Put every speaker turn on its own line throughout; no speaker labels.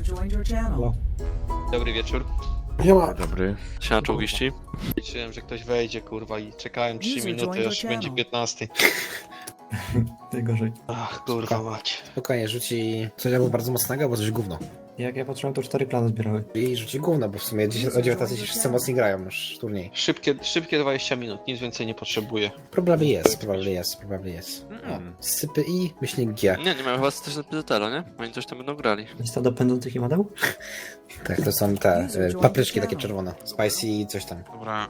Halo.
Dobry wieczór.
Nie ma.
Dobry.
Siema czołgiści.
Liczyłem, że ktoś wejdzie, kurwa, i czekałem 3 minuty, aż będzie 15.
Najgorzej.
Ach, kurwa mać.
Spokojnie, rzuci coś albo bardzo mocnego, albo coś gówno.
Jak ja patrzyłem, to 4 plany zbierały.
I rzuci gówno, bo w sumie o 19 się wszyscy mocni grają już w turniej.
Szybkie 20 minut, nic więcej nie potrzebuję.
Probably jest. O, sypy I, myślnik G.
Nie mają chyba też na PZL, nie? Oni coś tam będą grali.
Lista do pędzących imadeł?
Tak, to są te papryczki takie czerwone. Spicy i coś tam.
Dobra,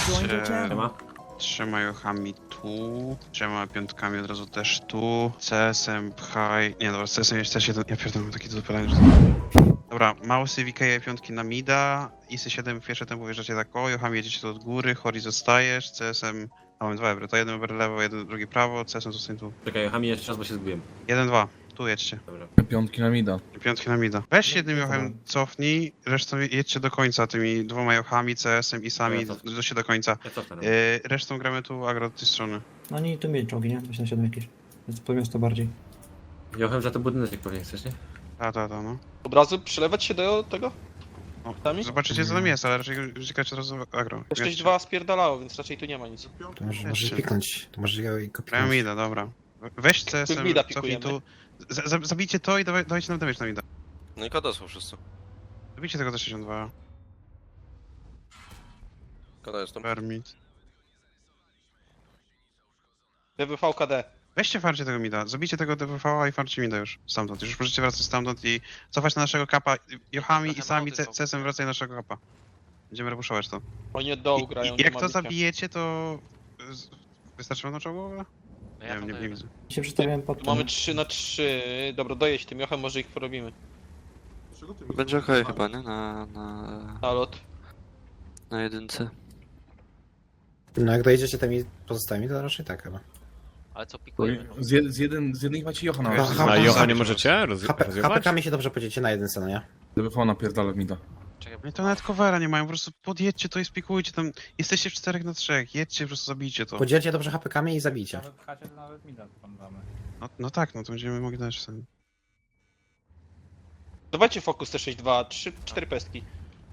trzema jochami tu, trzema piątkami od razu też tu, CS-em pchaj... Nie dobra, z CS-em jeszcze się... Ja pierdolę, takie do zapalania, że... Dobra, Mausy, VK piątki na mida, ISy 7 w pierwsze tempo wjeżdżacie tak o, jochami jedziecie tu od góry, Hori zostajesz, CS-em... A mamy 2 ebry, to jeden eber lewo, jeden drugi prawo, CS-em zostań tu.
Czekaj, Hami jeszcze raz, bo się zgubiłem.
1-2, tu jedźcie.
Dobra.
Piątki na mida.
Piątki na mida. Weź jednym jochem cofnij, resztą jedźcie do końca tymi dwoma jochami, CS-em i sami,
Ja cofnę.
dojdźcie do końca.
Ja cofnę.
Resztą gramy tu agro od tej strony.
No oni tu mieli czołgi, nie? 27 jakieś. Więc po miasto bardziej.
Jochem za to budynek pewnie chcesz, nie?
No.
Od razu przelewać się do tego?
No,
Sami?
zobaczycie co tam jest, ale raczej uciekać od razu agro.
To 6-2 spierdalało, więc raczej tu nie ma nic.
To może piknąć, to może go
Grają
piknąć.
mida, dobra. Weź CS-em,
Mida
cofnij
pikujemy.
tu. Zabijcie to i dawajcie nam damage na mida.
No i koda są wszyscy.
Zabijcie tego za 62.
Koda jest tam.
Permit.
DWV KD.
Weźcie farcie tego mida, zabijcie tego DWV-a i farcie mida już stamtąd. Już możecie wracać stamtąd i cofać na naszego kapa jochami i sami CS-em wracaj na naszego kapa. Będziemy repuszować to.
Oni od dołu grają.
I jak
nie
to
ma bicia.
zabijecie, to... Wystarczy wam na czołgu? Nie wiem, nie widzę.
Się przestawiałem pod
Tu mamy 3-3. Dobra, dojedź tym jochem, może ich porobimy.
Będzie okej chyba, nie?
Nalot.
Na jedynce.
No jak dojedziecie tymi pozostałymi, to raczej tak chyba.
Ale co pikujemy?
Z jednej macie Jocha na
Okej.
razie.
A Jocha nie
możecie
HPK-mi się dobrze podziecie na jedynce, no nie?
DBV napierdala mida.
No i to nawet covera nie mają, po prostu podjedźcie to i spikujcie tam. Jesteście w 4 na 3, jedźcie, po prostu zabijcie to.
Podzielcie dobrze HPK-mi i zabijcie.
No tak, no to będziemy mogli dać sami.
Dawajcie fokus te 6-2, 4 pestki.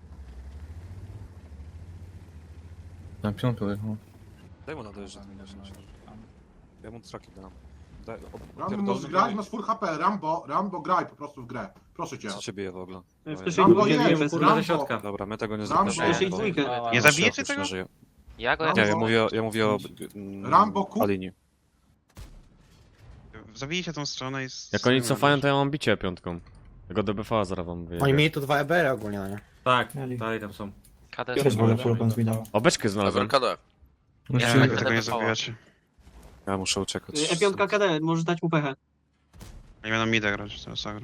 Na piątkę dojechał.
Daj mu nadojeżdżać. Ja mu traki dam.
Rambo możesz grać, masz full HP, Rambo graj po prostu w grę. Proszę cię.
Co cię bije w ogóle?
Rambo jest,
Kurwa ze
Rambo.
środka.
Dobra, my tego nie
Rambo.
zapraszamy.
Nie zabijecie tego?
Ja go
Rambo.
Nie, ja mówię o...
Rambo, kup.
Alini.
Zabijcie tą stronę i...
Jak oni cofają, to ja mam bicie piątką. Tego DBV zaraz wam wyjdzie.
Oni mieli tu 2 EBR ogólnie, no nie?
Tak,
Mieli.
dalej tam są.
KD
Też wolę full pan zbidał.
O, beczkę znalazłem.
KD.
No
Ja
się-
tak
Tego nie
DBV.
zabijacie.
Ja muszę uciekać.
E5 KD, możesz dać mu pechę.
Nie będą mida grać, to jest agro.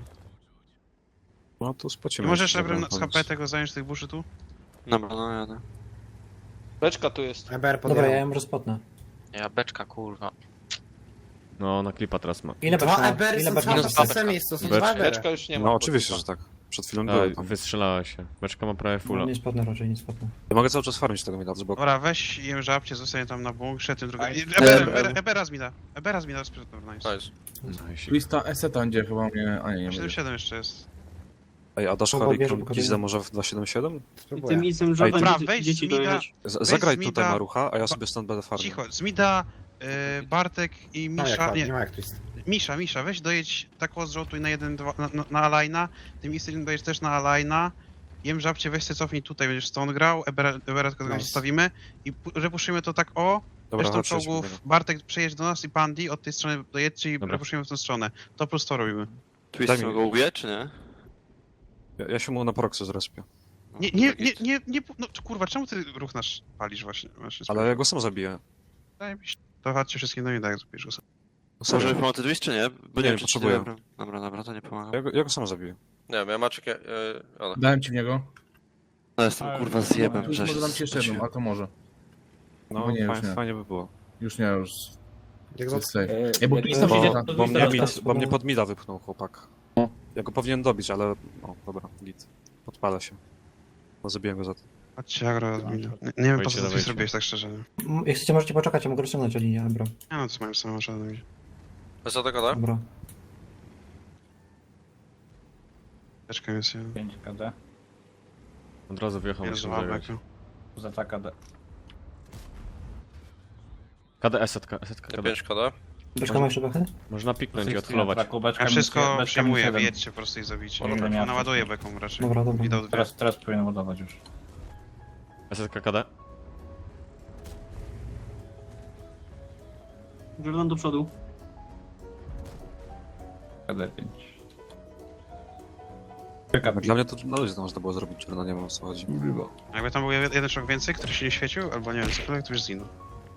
No to
I
spocimy.
możesz Ebrem z HP tego zająć tych buszy tu?
Dobra, no jadę.
Beczka tu jest.
EBR
Dobra, ja
podjechał.
ją rozpotnę.
Ja beczka, kurwa.
No, na klipa teraz ma.
Ile
2
beczka?
EBR
Ile
są
beczka?
minus
w
dwa
tym miejscu, to są
Beczka.
2 EBR.
Beczka już nie ma.
No oczywiście, że tak. Przed chwilą
A,
były tam.
wystrzelała się. Beczka ma prawie
No,
fulla.
nie spadnę raczej, nie spadnę.
Ja mogę cały czas farmić tego mida, bo...
Dobra, weź jem żabcie, zostanie tam na bunkrze, tym drugim... Ebera z mida. Ebera z mida, dobra, nice.
Nice.
Lista Eseta będzie chyba mnie... A nie, nie będzie.
77 jeszcze jest.
Ej, a dasz
Kogo
Harry
bierze,
Gizda może w 277?
I
Spróbuję.
tym isem
Ej,
żaden
dobra, wejdź
dzieci
z mida.
dojechać.
Zagraj
z
tutaj
mida.
Marucha, a ja sobie stąd będę farmił.
Cicho, z mida, Bartek i
No jak
Misza...
ładnie,
Nie,
nie ma jak tu jest.
Misza, weź dojedź tak zrotuj na 1-2, na Alajna, tym Istyn dojedź też na Alajna, jem żabcie, weź se cofnij tutaj, będziesz stąd grał, Ebera tylko
Nice.
zostawimy i repuszujemy to tak o,
Dobra,
resztą
chodź,
czołgów,
chodźmy.
Bartek przejedź do nas i Pandi, od tej strony dojedźcie i
Dobra.
repuszujemy w tą stronę. To plus to robimy.
Twist
Daj mi-
go ubije, czy nie?
Ja się mu na proxy zrespię.
No,
Nie, no kurwa, czemu ty ruch nasz palisz właśnie?
Ale ja go sam zabiję.
To chodźcie wszystkim do mnie, tak jak zrobisz go sam.
No serio.
Może pomocy twist, czy nie? Bo
Nie,
wiem, czy
potrzebuję.
Dobra, to nie pomaga.
Ja go sam zabiję.
Nie wiem, ja Maciek, ale...
Dałem ci w niego.
No jestem kurwa zjebem,
Tu
że
może dam ci jeszcze jedną, a to może.
No,
No nie, już
fajnie,
nie.
fajnie by było.
Już nie, już...
Jak
To
za...
jest safe. Ej, bo tu lista
Bo-
będzie...
Bo mnie pod mida wypchnął chłopak. Ja go powinien dobić, ale... O, dobra, git. Podpala się. No zabiłem go za to.
Chodźcie, agro, nie wiem po co to
dawajcie.
zrobiłeś tak szczerze.
Jak chcecie, możecie poczekać, ja mogę rozciągnąć o linię, Ebro.
Nie no, co mają samą żadną.
Co tego, tak?
Dobra.
Teczka jest
5 KD.
Od razu wjechał,
jest
musimy
dwa
zagrać.
beka.
Za KD.
KD, setka, KD.
5 KD.
Beczka ma jeszcze bechę?
Można piknąć i odholować.
Ja wszystko przyjmuję, wyjedźcie po prostu i zabicie.
Dobra,
Naładuję beką raczej.
Dobra, dobra.
Widał dwie.
Teraz powinien ładować już.
Setka KD.
Jordan do przodu.
KD 5.
Dla mnie to na luzie to można było zrobić, czy nie wiem o co chodzi.
Jakby tam był jeden szok więcej, który się nie świecił, albo nie wiem, cokolwiek, to już zginął.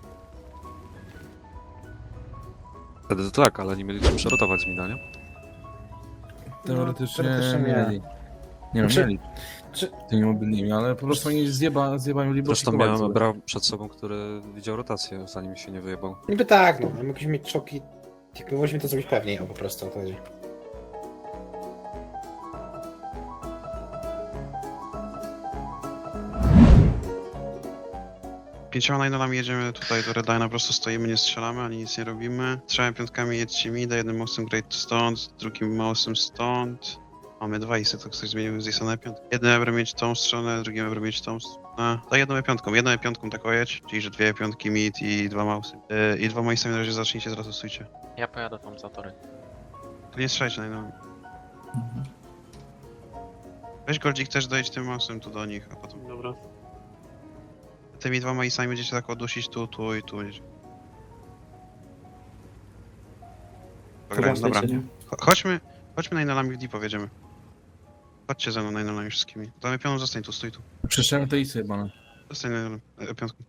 Wtedy to tak, ale nie mieli czym przerotować z mina, nie?
Teoretycznie
teoretycznie
mieli. Nie
Znaczy-
mieli.
czy-
Tymi mobilnymi, ale po prostu oni zjebają libro.
Zresztą miałem Ebra przed sobą, który widział rotację, zanim się nie wyjebał.
Niby tak, no. Mogliśmy mieć czoki. Jakby mogliśmy to zrobić pewniej, o po prostu o to chodzi.
Pięcioma najnolami jedziemy tutaj do Redline'a, po prostu stoimy, nie strzelamy, ani nic nie robimy. Trzema piątkami jedźcie mida, jednym mostem Great stąd, drugim mostem stąd. Mamy dwa isy, to ktoś zmienił z isa na piątkę. Jednym ebrem mieć tą stronę, drugim ebrem mieć tą stronę. To jedną piątką tak ojedź, czyli że dwie piątki mid i dwa mausy. I dwoma isami na razie zacznijcie, zaraz ustójcie.
Ja pojadę tam za tory.
To nie strzelajcie najnolami. Weź Goldzik też dojedź tym mausem tu do nich, a potem...
Dobra.
Tymi dwoma isami będziecie tak odusić tu i tu. Dobra, dobra.
Nie?
Chodźmy najnolami w deep powiedziemy. Chodźcie ze mną najnolami wszystkimi. Damy pioną, zostań tu, stój tu.
Przeszedłem te isy jebane.
Zostań najnolami, piątką.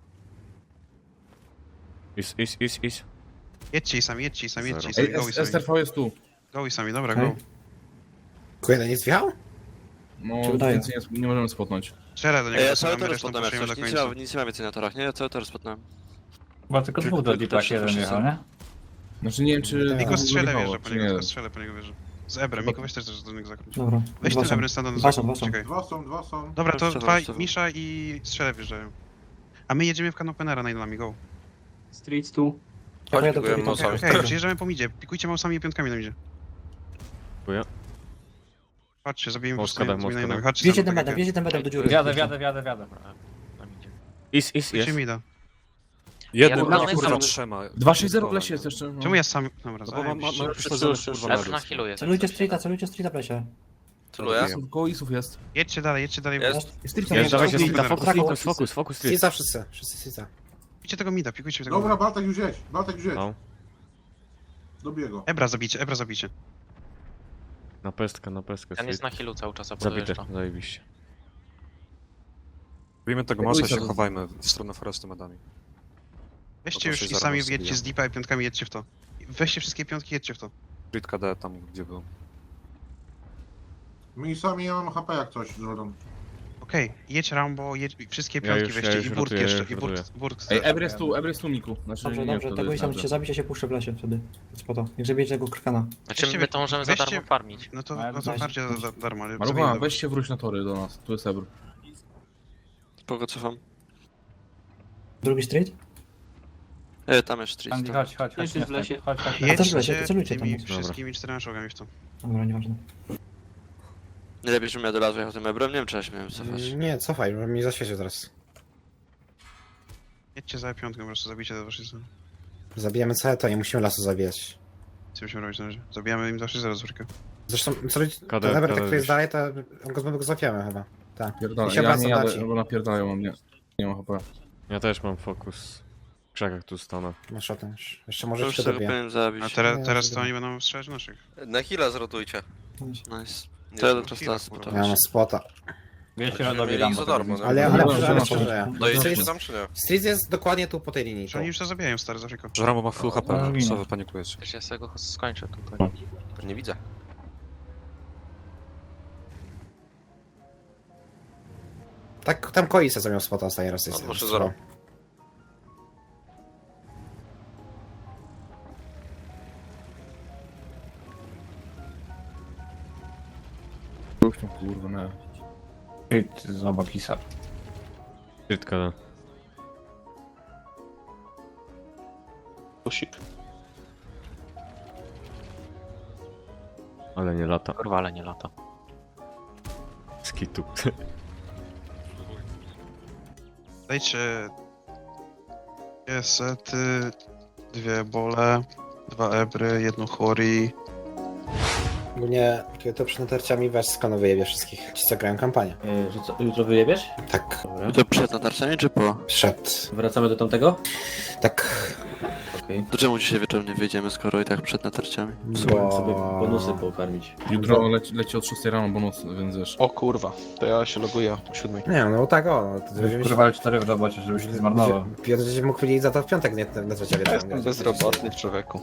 Is.
Jedźcie isami, jedźcie
Zero.
isami,
Ej,
go isami.
STRV jest tu.
Go isami, dobra,
Okej.
go.
Kujeda nie zwiał?
No,
Się wydaje.
więcej nie możemy spotnąć.
Strzelę do niego,
Ja
dostawiamy,
cały tor
resztą
spotnąłem,
puszujemy do
jak coś.
końca.
Nic nie ma więcej na torach, nie? Ja cały tor spotnąłem.
Chyba tylko
dwóch do deepa, jeden jechał,
nie? Znaczy nie wiem czy...
Miko strzelę
wyjechało,
wierzę po
czy
niego,
nie.
tylko strzelę po niego wierzę. Z Ebrem, Miko weź też do niego zakończ.
Dobra.
Weź
Dwa
ten
są.
Ebrem standard
Dwa są.
czekaj.
Dwa są.
Dobra, to
Jeszcze
dwa,
dwa.
Misza i strzelę wjeżdżają. A my jedziemy w kanopenera najnolami, go.
Street tu.
Ja pojadę
pikujemy
po
mocami.
Okej, przyjeżdżamy po midzie, pikujcie mausami i piątkami na midzie.
Dziękuję.
Chodźcie, zabijmy po
Most
prostu
KD, most
najnolami.
KD.
Chodźcie
Wjedzie
za
ten
mną, tak
medem,
jak
wjedzie ten medem do dziury.
Wiadę.
Is,
jest. Idźcie
jest.
mida.
Jednym,
Ja
a kurwa
tam-
trzema.
260 w lesie jest jeszcze. No.
Czemu ja sam... Dobra,
No bo mam
zajebiście.
kurwa na
Celujcie streeta w lesie.
Celuję.
Koło isów jest.
Jedźcie dalej.
Jest.
Street
Jest, dawajcie
Street,
streeta,
Street,
fokus, street.
Siza wszyscy Siza.
Pikujcie tego mida, pikujcie tego
Dobra,
mida.
Bartek już jedź.
No.
Dobiję go.
Ebra zabicie.
Na pestkę, street.
na healu cały czas,
Zabity, zajebiście.
Robimy tego masa i się chowajmy w stronę forestu medami.
Weźcie
No
już
to
i
się
sami
zaraz
wjedźcie z
zabijam.
deepa i piątkami jedźcie w to. Weźcie wszystkie piątki, jedźcie w to.
Street KD tam gdzie był.
My sami ja mam HP jak coś, Jordan.
Okej, jedź Rambo, jedź wszystkie
Ja
piątki
już
weźcie i burk
rotuję,
jeszcze,
już
i
rotuję.
burk.
Ej, Ebry jest tu Miku. Znaczy,
Dobrze,
nie,
dobrze,
to
tego
jest
isa
dobrze.
musicie zabić, ja się puszczę w lesie wtedy. Spoko. Niech zabijecie tego krkana.
Znaczy my to możemy za darmo
farmić.
No to
weź.
farcie za darmo, ale
Marucha,
zabijmy.
weź się wróć na tory do nas. Tu jest Ebr.
Spoko, cofam.
Drugi street?
Tam jest street.
Chodź.
Jeszcze jest w lesie.
A też w lesie, to celujcie tam.
tymi
Dobra.
wszystkimi 4 czołgami w to.
Dobra, nieważne.
Nie lepiej, żebym ja do lasu jechał tym Ebrem, nie wiem czy ja się miałem cofać.
Nie, cofaj, bo mi zaświecił teraz.
Jedźcie za piątką, po prostu zabijcie te wasze strony.
Zabijamy całe to, nie musimy lasu zabijać.
Co musimy robić na razie? Zabijamy im zawsze 0 z wórkę.
Zresztą, co robić,
KD,
ten Eber,
KD
który jest
gdzieś.
dalej, to on go znowu złapiemy chyba. Tak.
Pierdolę,
I się
ja
wraca
nie jadę,
Daci.
bo napierdalają mam, nie mam HP.
Ja też mam fokus. W krzakach tu stanę.
Masz o tym już. Jeszcze
To
może
już
się
sobie
dobiję.
powinien zabić.
A
Nie,
teraz to
dobra.
oni będą strzelać w naszych.
Na heal'a zrotujcie.
Nice.
Nice. To ja do teraz
Chwila,
las
kurwa.
spotować.
Ja mam spota.
Mieli ich za darmo, no.
Ale
Dobra,
przeżyję.
dobra.
Dojedziecie tam czy nie?
Street jest dokładnie tu po tej linii.
Że oni już to zabijają, stary, z Afriką.
Że Rambo ma full HP, co wy panikujecie?
Ja sobie go skończę tutaj.
Nie widzę.
Tak, tam Koisa zamiał spota ostatni raz.
No,
jest.
proszę, zero.
Już tam kurwa, nie.
Z obok Isa.
Street KD.
Kusik.
Ale nie lata.
Kurwa, ale nie lata.
kitu.
Dajcie... Dwie sety, dwie bole, 2 ebry, 1 chori.
Ogólnie, kiedy to przed natarciami weź skano wyjebie wszystkich. Ci co grają kampanię.
Że co, jutro wyjebiesz?
Tak,
Dobra.
To przed natarciami czy po?
przed.
Wracamy do tamtego?
Tak,
Okej.
To czemu dzisiaj wieczorem nie wyjdziemy, skoro i tak przed natarciami?
Spróbuję sobie bonusy pokarmić.
Jutro leci od 6 rano bonus, więc wiesz.
O kurwa, to ja się loguję o 7.
Nie, no tak o. To będziemy
Kurwa, ale 4 w robocie, żebyś nie zmarnował.
Piotr będzie mógł powiedzieć za to w piątek, nie na trzecie
Ja
wieczorem.
jestem bezrobotny człowieku.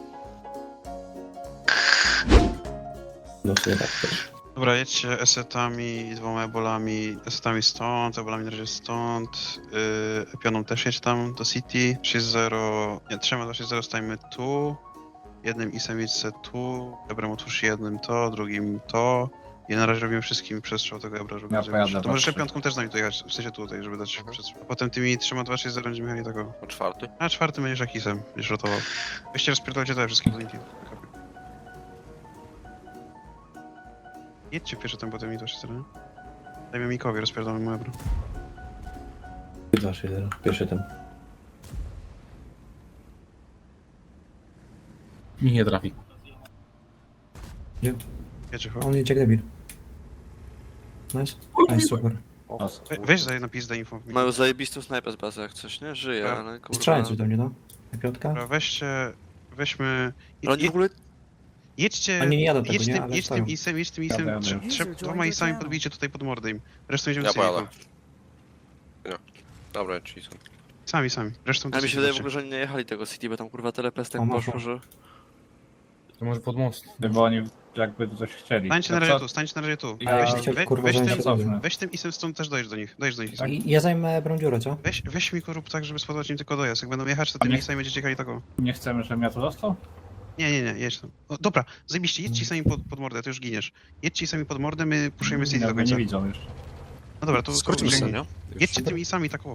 No w sumie tak też.
Dobra, jedźcie esetami, 2 ebolami, esetami stąd, ebolami na razie stąd, pioną też jedź tam do City, 6-0, nie, 3-2-6-0 stajemy tu, jednym isem jedźcie tu, ebrem otwórz jednym to, drugim to, i na razie robimy wszystkim przestrzał tego ebra, żeby to możesz piątką też z nami dojechać, w sensie tutaj, żeby dać przestrzał. A potem tymi 3-2-6-0 będziemy jechali tego.
O 4.
A 4 będziesz jak isem, będziesz rotował. Weźcie rozpierdolcie te wszystkie budynki. Jedźcie pierwszy tam, potem mi to się nie? Dajmy Mikowi, rozpierdolmy mu ebro.
2, 6, 0. Pierwszy ten.
Mi nie trafi.
Jedźcie,
On idzie jak debil. Nice. Nice, super.
Weź za na pizdę info.
Mają zajebistą snajpę z bazy jak coś, nie? Żyje,
Tak.
ale kurwa...
Strzelaj coś do mnie, no. Na piątka?
Dobra, weźmy...
Ale oni w ogóle...
Jedźcie...
Oni nie jadą tego,
jedź
nie?
tym,
Ale
jedź
stoją.
tym isem, jedź tym isem,
Jadę.
2 isami podbijcie tutaj pod mordę im. Resztą idziemy
Ja
sobie.
pojadę. Dobra, czyli są.
Sami. Resztą
Ale mi się wydaje w
chodźcie.
ogóle, że oni nie jechali tego City, bo tam kurwa telepest tak
O, może.
poszło, że...
To może pod most.
Bo oni jakby coś chcieli.
Stańcie na razie tu, stańcie na razie tu.
kurwa, zajęcie sobie.
Weź tym isem stąd też dojedź do nich. Isem.
I ja zajmę brą dziurę, co?
Weź mi rób tak, żeby spowodować im tylko dojazd. Jak będą jechać, to tymi
nie-
isami będziecie jechali taką.
Nie chcemy, żebym ja tu został?
Nie, jedź tam. O, dobra, zajebiście, jedźcie sami pod mordę, to już giniesz. Jedźcie sami pod mordę, my puszujemy City do
Jakby
końca.
nie widzą już.
No dobra, to
Skrócimy się, nie?
jedźcie tymi sami tak o.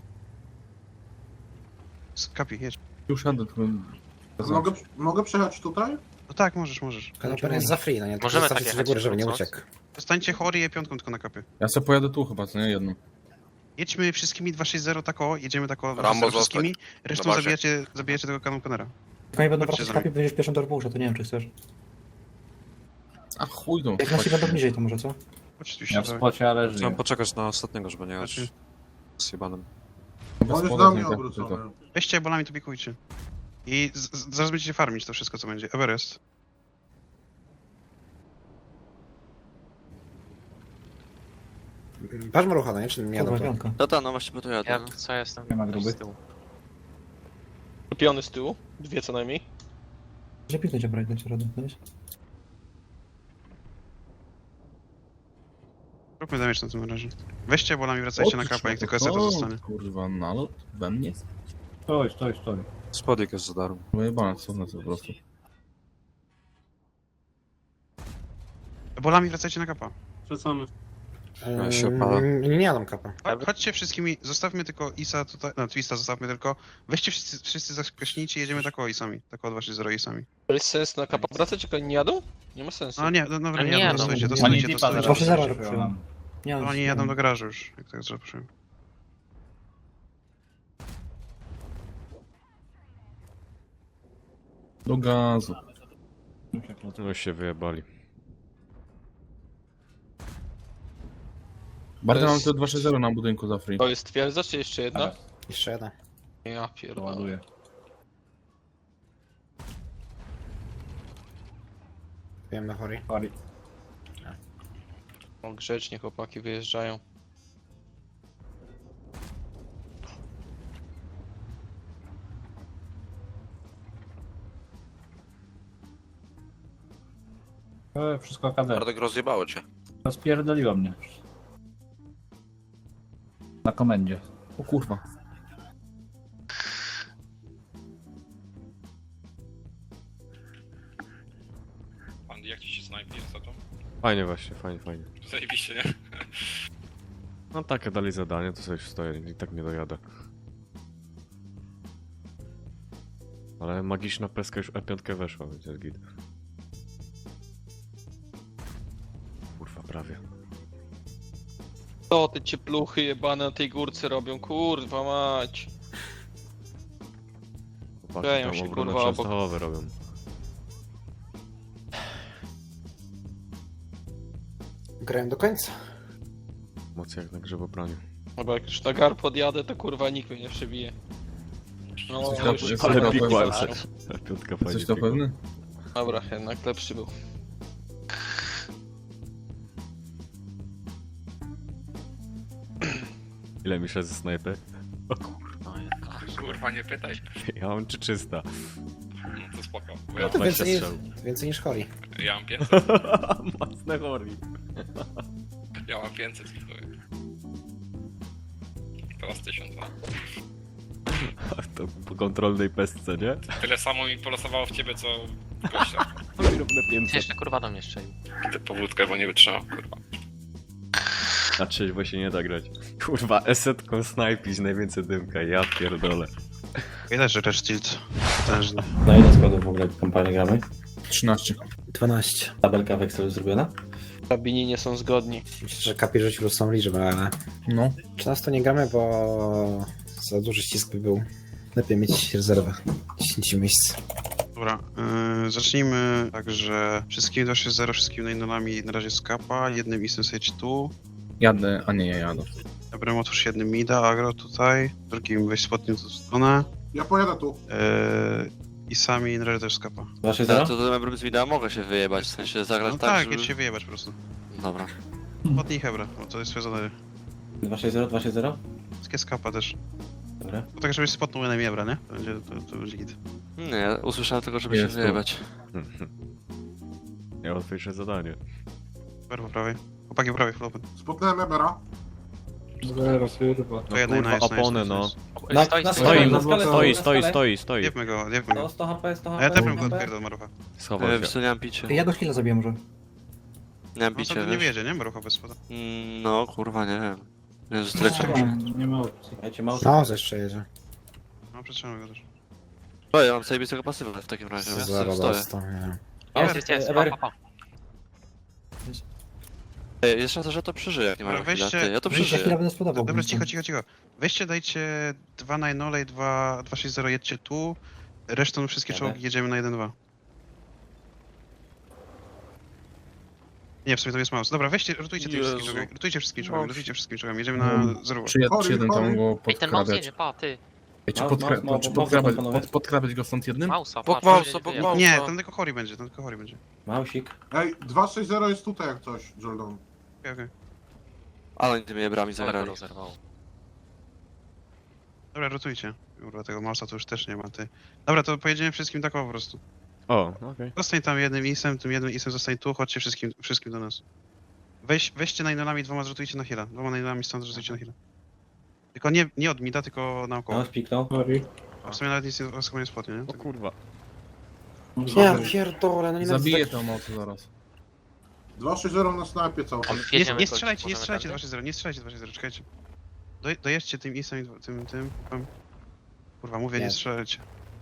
Kapi, jedź.
Już jadę, tylko...
Mogę przejechać tutaj?
No tak, możesz.
Kanoper jest za free, no nie?
Możemy
Zostawcie
tak
sobie do góry, żeby nie
jechać,
uciekł.
Zostańcie chory i piątką tylko na kapie.
Ja sobie pojadę tu chyba, co nie? Jedną.
Jedźmy wszystkimi 260 tako, jedziemy tako
Rambo
wszystkimi, resztą
Na bazie.
zabijacie tego kanonpenera.
Jak oni będą
Chodźcie
wracać
za
z kapi, będziesz pierwszą do Arbusza, to nie wiem, czy chcesz.
A chuj tą.
Jak nasi będą bliżej, to może, co?
Chodźcie
Ja w spocie, ale
Chciałem
żyję.
poczekać na ostatniego, żeby nie jechać
Znaczy-
z jebanym.
On jest do mnie obrócony.
Weźcie bolami, to pikujcie. I zaraz będziecie farmić to wszystko, co będzie. Everest.
Patrz Marucha, no nie? Czy nie jadą
Kurwa,
to?
piątka.
No właśnie po to jadę. no.
Co jestem?
Nie ma gruby.
Piony z tyłu, 2 co najmniej.
Że piknąć obrać, dać radę, wiesz?
Róbmy damage na tym razie. Weźcie bolami, wracajcie na kapa, jak tylko SR to zostanie.
Kurwa, nalot we mnie?
Stój.
Spodek jest za darmo.
Wyjebane, co na to po prostu.
Bolami wracajcie na kapa.
Wracamy.
Ja się opala.
Nie jadą kapa.
Chodźcie wszystkimi, zostawmy tylko Isa tutaj, no Twista zostawmy tylko. Weźcie wszyscy zaskaśnijcie, jedziemy tako Isami. Tako 2-3-0 Isami.
To jest sens na kapa wracać, jak oni nie jadą? Nie ma sensu.
No nie, dobra,
nie
nie jadą,
jadą.
dostojcie,
Oni
dostojcie.
dipa zaraz
Proszę, zaraz
przyjdą.
przyjdą. Nie,
Oni jadą do garażu już, jak tak zaprosiłem.
Do gazu.
No się wyjebali.
Bardziej
To
mam
jest-
te 260 na budynku za free.
To jest twierdza, czy jeszcze jedna?
Jeszcze jedna.
Ja pierdolę.
Ładuję.
Wiemy, chory.
Sorry.
O, grzecznie chłopaki wyjeżdżają.
Wszystko KD.
Bartek rozjebało cię.
Rozpierdoliło mnie. Na komendzie.
O kurwa.
Andy, jak ci się snajpi ostatnio?
Fajnie właśnie, fajnie.
Zajebiście, nie?
No takie dali zadanie, to sobie stoję i tak nie dojadę. Ale magiczna peska już E5 weszła, więc jest git. Kurwa, prawie.
Co te ciepluchy jebane na tej górce robią? Kurwa mać.
Chłopaki
Kleją
tam
się,
obronę
kurwa, obok.
częstochowe robią.
Grałem do końca.
Mocy jak na grzybobraniu.
Chyba jak już na gar podjadę, to kurwa nikt mnie nie przebije. No,
Jesteś
już...
na- jesteś
Ale
na
big
pewny?
walce. Piątka fajnie.
Jesteś to
biegła.
pewny?
Dobra, jednak lepszy był.
Ile mi szedł ze snajpy?
Kurwa, nie pytaj.
Ja mam czy 300?
No to spoko.
No to
20
więcej,
strzał.
więcej niż Hori.
Ja mam 500.
Mocne chori.
Ja mam 500. Teraz 1002.
To po kontrolnej pestce, nie?
Tyle samo mi polosowało w ciebie, co gościa.
Równe 500.
Jeszcze kurwa do mnie strzelił. Idę po wódkę, bo nie wytrzymał, kurwa.
Na trzeźwo się nie da grać. Kurwa, esetką snajpić najwięcej dymka, ja pierdolę.
Widać, że Rage Tilt potężny.
Na ile składów w ogóle kampanię gramy?
13.
12.
Tabelka w Excelu zrobiona?
Rabini nie są zgodni.
Myślę, że Kapi rzucił losową liczbę, ale...
No.
13 nie gramy, bo za duży ścisk by był. Lepiej mieć rezerwę. 10 miejsc.
Dobra, zacznijmy tak, że wszystkimi 260, wszystkimi nainolami na razie skapa, jednym isem sage tu.
Jadę, a nie, ja jadę.
Dobrym otwórz jednym mida, agro tutaj, drugim weź spotnie w tą stronę.
Ja pojadę tu.
I sami na razie też skapa.
Wasze
Ale
zero?
to Mebrum z wideo mogę się wyjebać, w sensie zagrać
No
tak,
tak,
żeby...
jedź się wyjebać po prostu.
Dobra.
Spotnij Hebra, bo to jest twoje zadanie.
260, 260?
Wszystkie skapa też.
Dobra.
Bo tak, żebyś spotnął jednym Hebra, nie? To będzie git.
Nie, usłyszałem tylko, żeby się
Jest to.
wyjebać.
Ja łatwiejsze zadanie.
Super po prawej. Chłopaki po prawej, full open.
Spotnąłem Ebera.
Zero, kurwa.
To jednej
kurwa,
nice,
opony,
nice,
no.
nice.
Na
Stoi,
skale,
stoi,
na skale,
stoi,
na
stoi,
skale.
stoi, stoi.
Jebmy go.
No, 100 HP, 100
A
HP.
ja też
100
bym go
HP.
odpierdol, Marucha.
Schował
Wiesz
się.
co, nie mam picie.
Ja go chwilę zabiję może.
Nie mam
No
picie,
to nie
wiesz?
wiedzie, nie? Marucha bez spoda.
No, kurwa, nie wiem. Jezus, tyle
Nie ma opcji.
Dajcie mouse.
No, jeszcze jedzie.
No, przetrzymamy go też.
O, ja mam zajebistego pasywa w takim razie, ja
Zero
stoję.
dostał, nie wiem.
Ever.
Ej, jest szansa, że to przeżyje, jak nie ma
Dobra,
chwila.
weźcie-
Ty, ja to
weźcie-
Za chwilę
przeżyję.
będę sprzedawał.
Dobra, cicho. Weźcie, dajcie 2 na 0 i 260, jedźcie tu. Resztą wszystkie
Dobra.
czołgi jedziemy na 1-2. Nie, w sumie to jest mouse. Dobra, weźcie, rotujcie tymi wszystkimi
Jezu.
czołgami. Rotujcie wszystkimi czołgami. Jedziemy na 0.
Czy jeden tam go podkradać?
ty.
Ej, czy
Mouse,
podkradać,
panowie.
podkradać go stąd jednym?
Bok mausa, bok mausa.
Nie, tam tylko Hori będzie,
Mausik.
Ej, 260 jest tutaj jak coś, Jordan.
Okej.
Ale oni tymi ebrami zagrali.
Dobra, rotujcie. Kurwa, tego mausa to już też nie ma, ty. Dobra, to pojedziemy wszystkim tak po prostu.
O, okej.
Zostań tam jednym isem, tym jednym isem zostań tu, chodźcie wszystkim do nas. Weźcie nainolami, 2 zrotujcie na heal'a. 2 nainolami stąd zrotujcie na heal'a. Tylko nie od mida, tylko naokoło.
Mouse piknął.
Sorry.
A w sumie nawet nic nie spotnie, nie?
O kurwa.
Ja pierdolę, no nie
Zabiję to mocy zaraz.
260 na snajpie cały czas.
Nie strzelajcie 2-0, nie strzelajcie 2-0, czekajcie. Dojedźcie tym isem i tym. Kurwa, mówię, nie
Nie.
strzelajcie.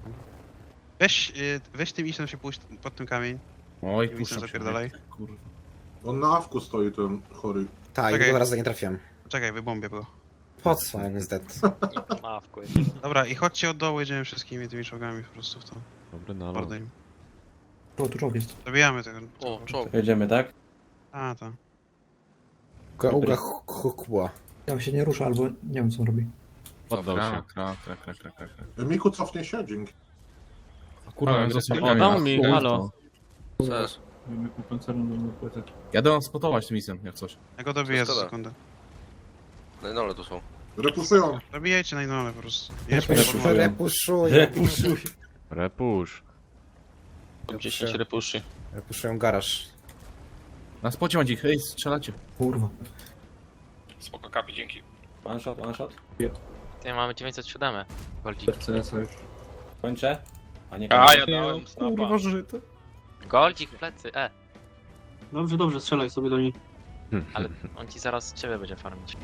Weź tym isem się pójść pod tym kamień.
Oj,
Tym isem
puszczam się.
zapierdalaj.
Kurwa.
On na awku stoi ten chory.
Tak,
Czekaj.
i teraz nie trafiłem.
Czekaj, wybombię go.
Po co, jak jest dead?
Dobra, i chodźcie od dołu, jedziemy wszystkimi tymi czołgami po prostu w to.
Dobry nalot.
Mordę im.
O, tu czołg jest.
Zabijamy tego.
O, czołg.
Jedziemy, tak?
A, tak.
Uga hukła.
Ja się nie rusza, albo nie wiem co on robi.
Poddał się.
Krak.
Miku cofnie się, dzięki.
Kurwa,
O, dał mi, halo.
Cześć.
Mamy koncernu do mnie płytę.
Jadę wam spotować tym isem, jak coś.
Ja go dobiję za
Szkoda.
sekundę.
No ale tu są.
Repuszują.
Dobijajcie na inną po prostu.
Repuszuj.
Repuszuj.
Repusz.
10 repuszy.
Repuszują garaż.
Na spocie macie ich, hej, strzelacie.
Kurwa.
Spoko, kapi, dzięki.
One shot.
Tutaj mamy 907.
CS już.
Kończę. A nie
A,
kończę.
ja dałem snapa.
żyte.
Goldzik w plecy,
Dobrze, strzelaj sobie do niej.
ale on ci zaraz ciebie będzie farmić.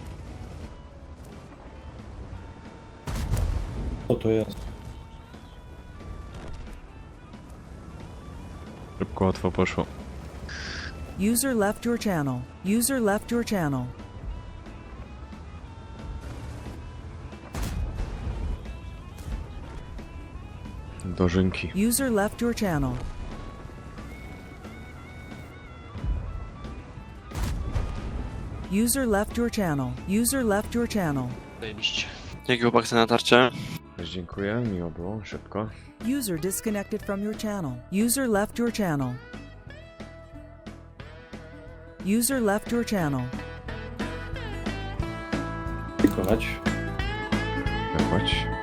Co to jest?
Szybko, łatwo poszło.
User left your channel. User left your channel.
Dożynki.
User left your channel. User left your channel. User left your channel.
Zajebiście.
Dzięki chłopak na tarczę.
Też dziękuję, miło było, szybko.
User disconnected from your channel. User left your channel. User left your channel.
Dziękować.
Dawać.